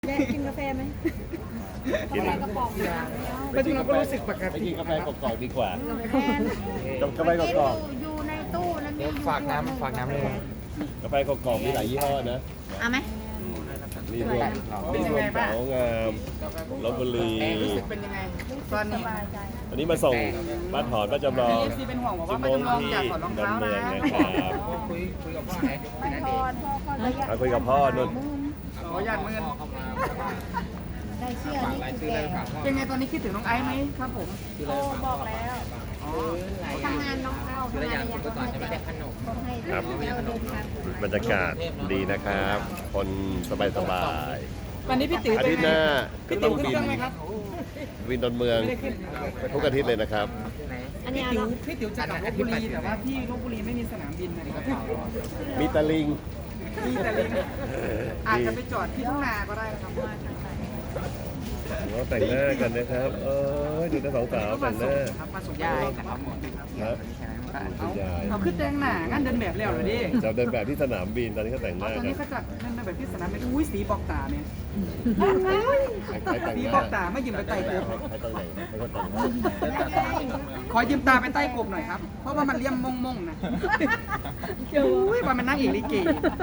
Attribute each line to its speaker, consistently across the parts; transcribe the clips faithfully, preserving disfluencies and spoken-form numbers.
Speaker 1: แกกินกาแฟไหม
Speaker 2: กิน
Speaker 1: กระป๋อง
Speaker 3: ไปถึงเราก็รู้สึกปก
Speaker 2: ไป
Speaker 3: ติ
Speaker 2: กินกาแฟกรอกๆดีกว่า
Speaker 1: กาแฟ
Speaker 2: กาแฟกรอก
Speaker 1: อยู่ในตู้นั้นมี
Speaker 3: ฝากน้ำฝากน้ำเลย
Speaker 2: ๆกาแฟกรอกๆมีหลายยี่ห้อนะ
Speaker 1: เอาไหม
Speaker 2: มีรวมมีรวมสาวงามลพบุรี
Speaker 3: รู้สึกเป็นยังไงตอนนี้
Speaker 2: วันนี้มาส่งบ้านถอนบ้านจำลอง
Speaker 3: เอฟซีเป็นห่วงบอก
Speaker 2: จุ
Speaker 3: ว่า
Speaker 2: โม
Speaker 3: ไม่
Speaker 2: ง
Speaker 3: จำลอง
Speaker 2: ที่
Speaker 3: อยากถอดรอง
Speaker 2: ดอ
Speaker 3: เท้าน
Speaker 2: เมื
Speaker 3: นะ
Speaker 2: องนะครับ
Speaker 3: คุยคุยกับพ่อไหน
Speaker 1: ไม่ทอนพ่อก็ระยะ
Speaker 2: มาคุยกับพ่อนุ่น
Speaker 3: ขออนุญาตมือ
Speaker 1: ได้เชื่อนี่คือแก
Speaker 3: เป็นไงตอนนี้คิดถึงน้องไอซ์ไหมครับผม
Speaker 1: โทรบอกแล้ว
Speaker 3: อ๋อ
Speaker 1: ทำงานน้องเข้าทำงานระยะต้องให้แกต้องให้
Speaker 2: ครับ
Speaker 1: เราเดินทาง
Speaker 2: บรรยากาศดีนะครับ คนสบาย
Speaker 3: วันนี้พี่ติ๋ว
Speaker 2: ๆอา
Speaker 3: เป็น
Speaker 2: ทิตย์
Speaker 3: ไง
Speaker 2: หน้าก็
Speaker 3: พี่
Speaker 2: ต้
Speaker 3: ติ๋
Speaker 2: อ
Speaker 3: ว
Speaker 2: ง
Speaker 3: ขึ้น
Speaker 2: บิ
Speaker 3: เคน รื่องไหมครับ
Speaker 2: วินดอนเมือง
Speaker 3: ไม่ได้ขึ้น
Speaker 2: ทุกอาทิตย์เลยนะครับ
Speaker 1: อัน
Speaker 3: พี่
Speaker 1: นี้
Speaker 3: ติ๋ว
Speaker 1: เรา
Speaker 3: พี่ติ๋วจะกลับลพบุรีแต่ว่าที่ลพบุรีไม่มีสนามบินนะครับ
Speaker 2: มีตะลิง
Speaker 3: มีแต่ลิงอาจจะไปจอดที่ทุ่งนาก็ได้นะครับ
Speaker 2: เราแต่งหน้ากันนะครับ เออดูแต่สองสาว
Speaker 3: มา
Speaker 2: แต่งห
Speaker 3: ส่ง
Speaker 2: น้า
Speaker 3: ครับมาส่งยายนะครับหมดครับ
Speaker 2: ครับ
Speaker 3: เอาเอาขึ้นแต่งหน้างานเดินแบบแล้วเหรอดิ
Speaker 2: จะเดินแบบที่สนามบินตอนนี้เขาแต่งห
Speaker 3: อ๋อ
Speaker 2: น้า
Speaker 3: ตอน
Speaker 2: กั
Speaker 3: นี้
Speaker 2: น
Speaker 3: เขาจัดนั่นแบบที่สนามบินอุ้ยสีบอกตาเนี่ย
Speaker 2: ใครแต่ง
Speaker 3: สี
Speaker 2: หน้า
Speaker 3: บอกตาไม่ยืมไปไต่กบ
Speaker 2: ใครต้องแต่งใครก็แต่งหน้า
Speaker 3: ขอยืมตาไปไต่กบหน่อยครับ เพราะว่ามันเลี่ยมมงมงๆนะอุ้ยว่ามันนั่งเอกลิเก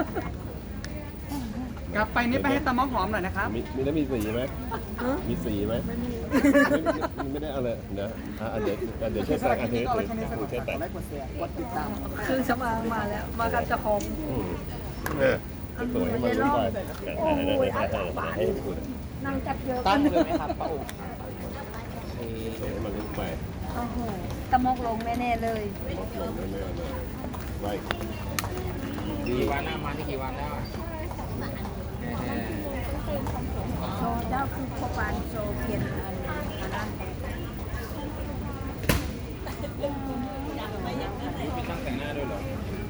Speaker 3: กลับไปนี่ไปให้ตามองหอมหน่อยนะครับ
Speaker 2: มีมีแล้วมีสีไหมมีสีไหมไม่ไม่ได้เอาเลยนะอ่ะเดี๋ยวเดี๋ยวช่วยแต่งอันนี้
Speaker 3: ก็
Speaker 2: ถือ
Speaker 3: แค่นี้ส
Speaker 2: ถื
Speaker 3: นุ
Speaker 2: อก ช่วยแต่ง
Speaker 3: ไลค์กดแชร์กดติดตาม
Speaker 1: คือสมางมาแล้ว มากับเจ้าของ
Speaker 2: อืมเนี่ยสวยให้มันรู้ไปโอ้ยอาจารย์บาท
Speaker 1: นั่งจับเยอะ
Speaker 3: ตั้งเลยไหมครับป้าโอ๋
Speaker 2: สวยให้มันรู้ไป
Speaker 1: โอ้โหตะมกลงแน่ๆเลย
Speaker 2: ลงแน่ๆเลยไว้ดี
Speaker 3: กี่วันแล้วมาที่กี่วันแล้วอ่ะ
Speaker 1: โชว์เจ้าคือพบานโชว์เพียนอันนั้น
Speaker 3: มีช่างแต่งหน้าด้วยเหรอ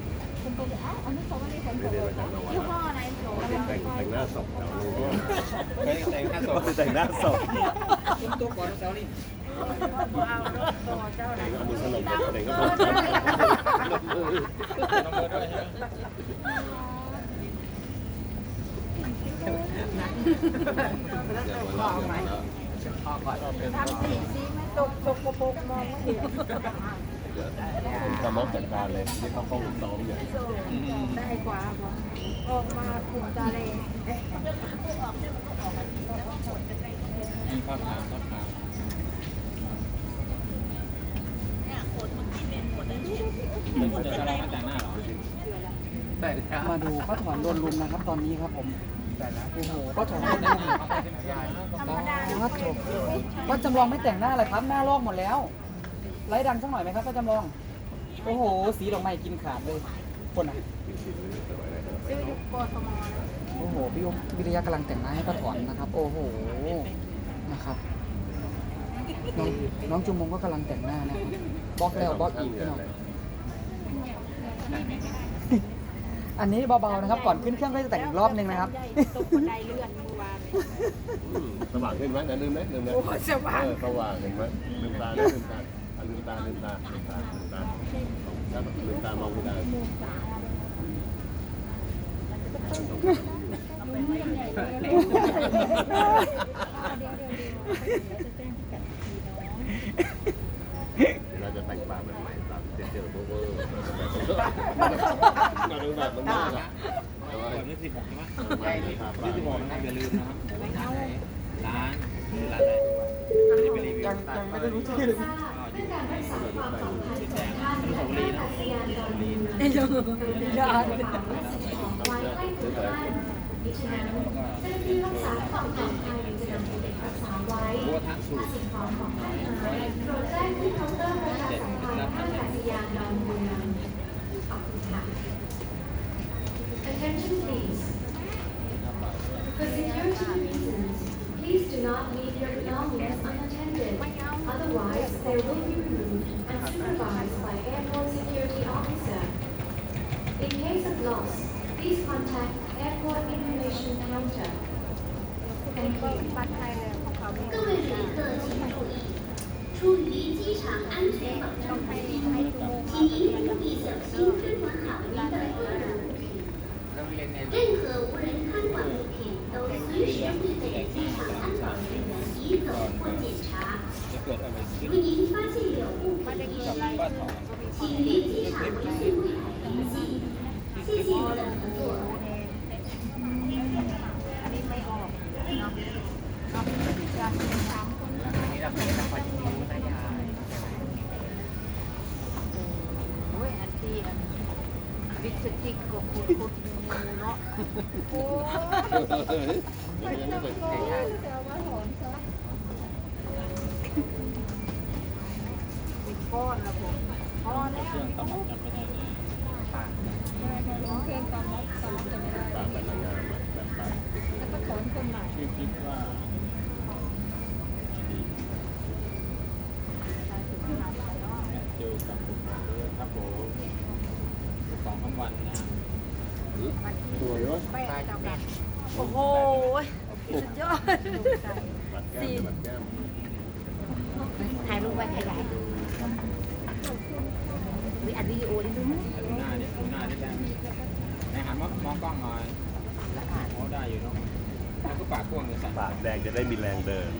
Speaker 1: ยี่ห้ออะไรโชว์
Speaker 2: แต่งแต่งหน้าศพแถวนี้
Speaker 3: แต่งหน้าศพ
Speaker 2: แต่งหน้าศพ
Speaker 3: คุณตัวก่อนเซลลี่
Speaker 1: เอารถโชว์เจ้าไหน
Speaker 2: เอามือสนุกเด็กก็พอ
Speaker 3: น้องเบิร์ดด้วยใช่ไหม
Speaker 1: ทำสีสีไม่ตกตกโปกมองไม่เห็น
Speaker 2: จะมองจัดการเลยนี่เขาเข้าซ้อมอยู่
Speaker 1: ได้กว่าออกมาคุมทะเล
Speaker 3: มีภาพทางภาพทางไม่ควรจะเราแต่งหน้าหรอมาดูป้าถอนโดนลุมนะครับตอนนี้ครับผมโอ้โหป้าถอนโดนลุม
Speaker 1: ธรรมดา
Speaker 3: ป้าจบป้าจำลองไม่แต่งหน้าเลยครับหน้าลอกหมดแล้วไล่ดังสักหน่อยไหมครับป้าจำลองโอ้โหสีดอกไม้กินขาดเลยคนอ่ะ
Speaker 1: ซื้อยุคโกทม
Speaker 3: โอ้โหพี่วิทยากำลังแต่งหน้าให้ป้าถอนนะครับ โอ้โหนะครับน้องน้องจุมมงก็กำลังแต่งหน้านะครับบล็อกแล้วบล็อกอีกพี่น้องอันนี้เบาๆนะครับก่อนขึ้นเครื่องก็จะแต่งอีกรอบนึงนะครับ
Speaker 1: ตกบันไดเลื่อนเมื่อวาน
Speaker 2: สว่างขึ้นไหมนะลืมไหมลืมไหม
Speaker 1: โอ้สว่าง
Speaker 2: สว่างเห็นไหมลืมตาลืมตาลืมตาลืมตาลืมตาลืมตาลืมตามองไม่ได้ เราจะแต่งปากแบบใหม่แบบเจ๋อๆเวอร์ๆเราดูแบบมันน่ารักแบบนี้สิบหกใช่ไหมยี่สิบหกนะครับอย่าลืมนะครับร้านร้านอะไรยังยังไม่ได้รู้ชื่อเลย
Speaker 1: เยอะเยอะ
Speaker 3: บัวทักสูตรเด็ดรับ
Speaker 4: Attention please. For security reasons, please do not leave your belongings unattended. Otherwise, they will be removed and supervised by airport security officer. In case of loss, please contact airport information counter. Thank you.
Speaker 1: บัตรไทยเลยของเขา
Speaker 4: 各位旅客请注意，出于机场安全保障考虑，请您务必小心珍管好您的个人物品。任何无人看管物品都随时会被机场安保人员移走或检查。
Speaker 2: จะเกิดอะไรขึ้น
Speaker 4: 如您发现有物品遗失，请联机场一次柜台联系。谢谢您的合作。
Speaker 1: อันนี้ไม่ออกเนาะเนาะจะสามคนแล้ว
Speaker 3: นี่เราเป็นนักปัจจุบันได้ยาย
Speaker 1: โอ้ยอันที่อันวิสติกกับคุณคุณงูเนาะโอ้ย
Speaker 2: เดี๋ยวยังไม่เป็น
Speaker 1: เป็นก้อนละผมพอแล้ว
Speaker 2: เครื่องตำจำไม่ได้เลย
Speaker 3: ปาก
Speaker 1: ร้องเพลงตามรับตามรับจะไม่ได้
Speaker 2: ปากเป็นงานแบบปาก
Speaker 1: แล้วก็ถอนคนใหม่
Speaker 2: ชื่อคิดว่าเจอกับผมด้วยครับผมสองสามวันนะสวยวะ
Speaker 1: ไปเอากลับโอ้โหสุดยอด
Speaker 2: บัดแก้มบัดแก้ม
Speaker 1: ถ่ายรูปไว้ขยายวิอัดวิดีโอดิดูมั้ย
Speaker 2: ดูหน้าดิดูหน้าดิแบงไหนหันมามองกล้องหน่อยแล้วอ่านเขาได้อยู่เนาะแล้วก็ปากกว้างเลยสัตว์
Speaker 5: ปากแดงจะได้มีแรงเดิน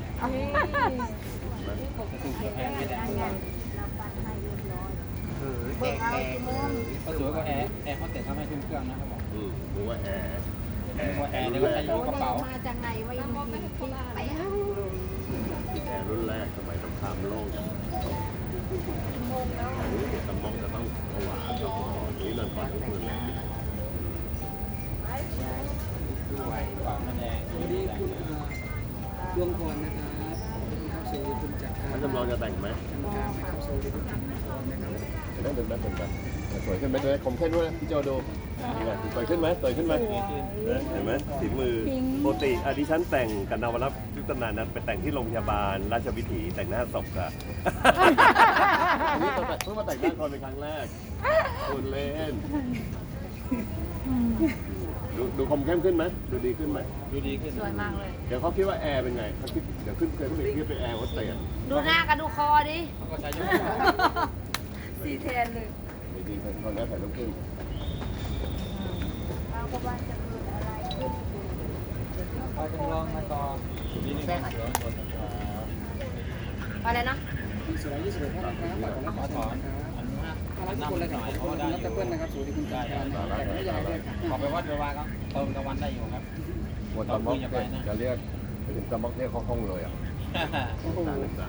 Speaker 2: ถูกแพงไม่ได้
Speaker 1: เราปัดให้เรียบร้อย
Speaker 3: เออ
Speaker 1: เบิกเอากี่โมง
Speaker 2: เขาสวยกว่าแอร์แอร์เขาแต่เขาไม่ทุ่มเครื่องนะเขาบอก
Speaker 5: อืมรู้ว่าแอร์แอร์
Speaker 2: ว่าแอร์เนี่ยก็จะอยู่กระเป๋า
Speaker 1: มาจากไหนวะยังมีที่ไปอ่ะ
Speaker 5: แอร์รุ่นแรกสมัยสงครามโลกอย่างสมองจะต้องผวากับหมอนี้นั่นก่อนก็คือแรง
Speaker 2: ด้วยปากมันแดง
Speaker 3: สวัสดีคุณดวงพรนะครับเข้าสู่คุณจักร
Speaker 5: ท่านจำลองจะแต่งไหม
Speaker 3: กรรมการนะครับสวัสดีคุณดวงพรนะครับ
Speaker 5: จะได้เป็นแบบเป็นแบบสวยขึ้นไหมด้วยคมเข้มด้วยนะพี่โจดูสวยขึ้นไหมสวยขึ้นไหมเห็นไหมสีมือปกติอดิฉันแต่งกับนวรัตน์ยุทธนานั้นไปแต่งที่โรงพยาบาลราชวิถีแต่งหน้าศพค่ะอันนี้เพิ่งมาแต่งหน้าคนเป็นครั้งแรกคุณเล่นดูดูคมเข้มขึ้นไหมดูดีขึ้นไหม
Speaker 2: ดูดีขึ้น
Speaker 1: สวยมากเลย
Speaker 5: เดี๋ยวเขาคิดว่าแอร์เป็นไงเขาคิดเดี๋ยวขึ้นเคยเขาไปคิดเป็นแอร์วัดเตียน
Speaker 1: ดูหน้ากับดูคอดิ
Speaker 2: เขาก็ใช้ยก
Speaker 1: สีแทนเลย
Speaker 5: ดีๆตอนนี้ถ่ายรูปขึ้น
Speaker 1: เราก็ว่าจะเกิดอะไรขึ้น
Speaker 3: เราจำลองมาต่อ
Speaker 2: นี่นี่ครับเดี๋ยวกดนะครับ
Speaker 1: อะไรนะ
Speaker 3: สวยยี่สิบเอ็ดท่านนะครับฝากกดไลค์
Speaker 2: ข
Speaker 3: ก
Speaker 2: อ
Speaker 3: ด
Speaker 2: ถ
Speaker 3: แช
Speaker 2: อน
Speaker 3: ร์นะครับ
Speaker 2: อันมาก
Speaker 3: ถ้ารักทุกคนเลยครับขอบคุณรัตเปิ้ลนะครับสวัสดีคุณจักรแต่ไม่ยายด้วยครับ
Speaker 2: ขอไปวัดไปวาก็เติมตะวันได้อยู่ครับ
Speaker 5: หมดตะม็อกเนี่ยจะเรียกไปถึงตะม็อกเรียกเขาห้องเลยอ่ะ
Speaker 3: โอ้โห
Speaker 5: ต่างกันต่าง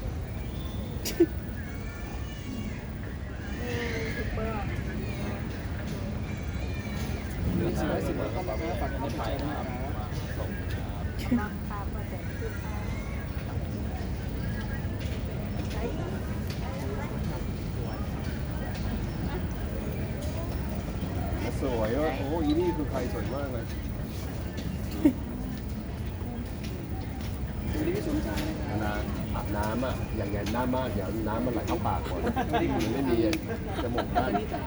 Speaker 3: หนึ่งสี่ร้อยสิบท่านนะครับฝากกดไลค์กดแชร์นะครับ
Speaker 1: ราคาก็จะขึ้นมา
Speaker 5: สวยว่ะโอ้ยนี่คือใครสวยมากเลย
Speaker 3: สวัสดีพี่สมชายนะครับ
Speaker 5: นะอาบน้ำอ่ะอย่างไงน้ำมากเดี๋ยวน้ำมันไหลเข้าปากก่อนมันไม่มีจมูกด้าน